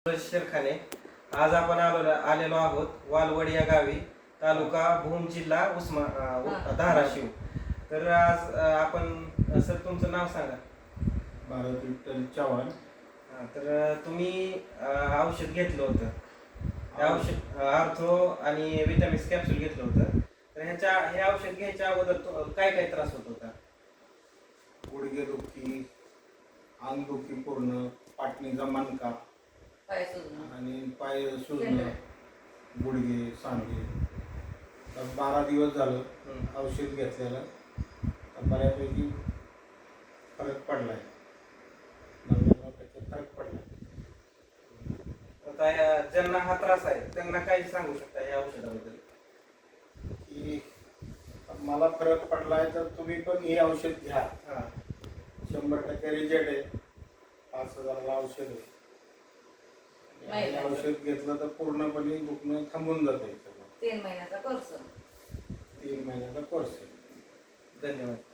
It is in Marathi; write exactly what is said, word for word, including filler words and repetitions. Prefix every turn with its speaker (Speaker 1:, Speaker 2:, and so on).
Speaker 1: शेरखाने. आज आपण आलो आलेलो आहोत वालवड या गावी, तालुका भूम, जिल्हा उस्मा अ, धाराशिव. तर आज अ, आपण सर तुमचं नाव सांगा.
Speaker 2: भारत विठ्ठल चव्हाण.
Speaker 1: हा, तर तुम्ही अ, औषध घेतलं होतं, हे औषध आर्थो आणि विटॅमिन्स कॅप्सूल घेतलं होतं. तर ह्याच्या हे औषध घ्यायच्या अगोदर तो- काय काय त्रास होत होता?
Speaker 2: गुडघे दुखी, अंग दुखी पूर्ण, पाटणीचा मणका
Speaker 3: पाय सुजणं
Speaker 2: आणि पाय सुजणं, गुडघे सांधे. तर बारा दिवस झालं
Speaker 1: हम्म.
Speaker 2: औषध घेतलेलं, तर बऱ्यापैकी फरक पडलाय. नव्याण्णव टक्के फरक पडलाय.
Speaker 1: आता ह्या- ज्यांना हा त्रास आहे त्यांना काय सांगू शकता या औषधाबद्दल?
Speaker 2: की मला फरक पडलाय तर तुम्ही पण हे औषध घ्या.
Speaker 1: हा.
Speaker 2: शंभर टक्के रिजल्ट आहे. पाच हजाराला औषध आहे.
Speaker 3: नाही,
Speaker 2: हे औषध घेतलं तर पूर्णपणे दुखणं थांबून जाते.
Speaker 3: तीन महिन्याचा कोर्स
Speaker 2: तीन महिन्याचा कोर्स आहे.
Speaker 1: धन्यवाद.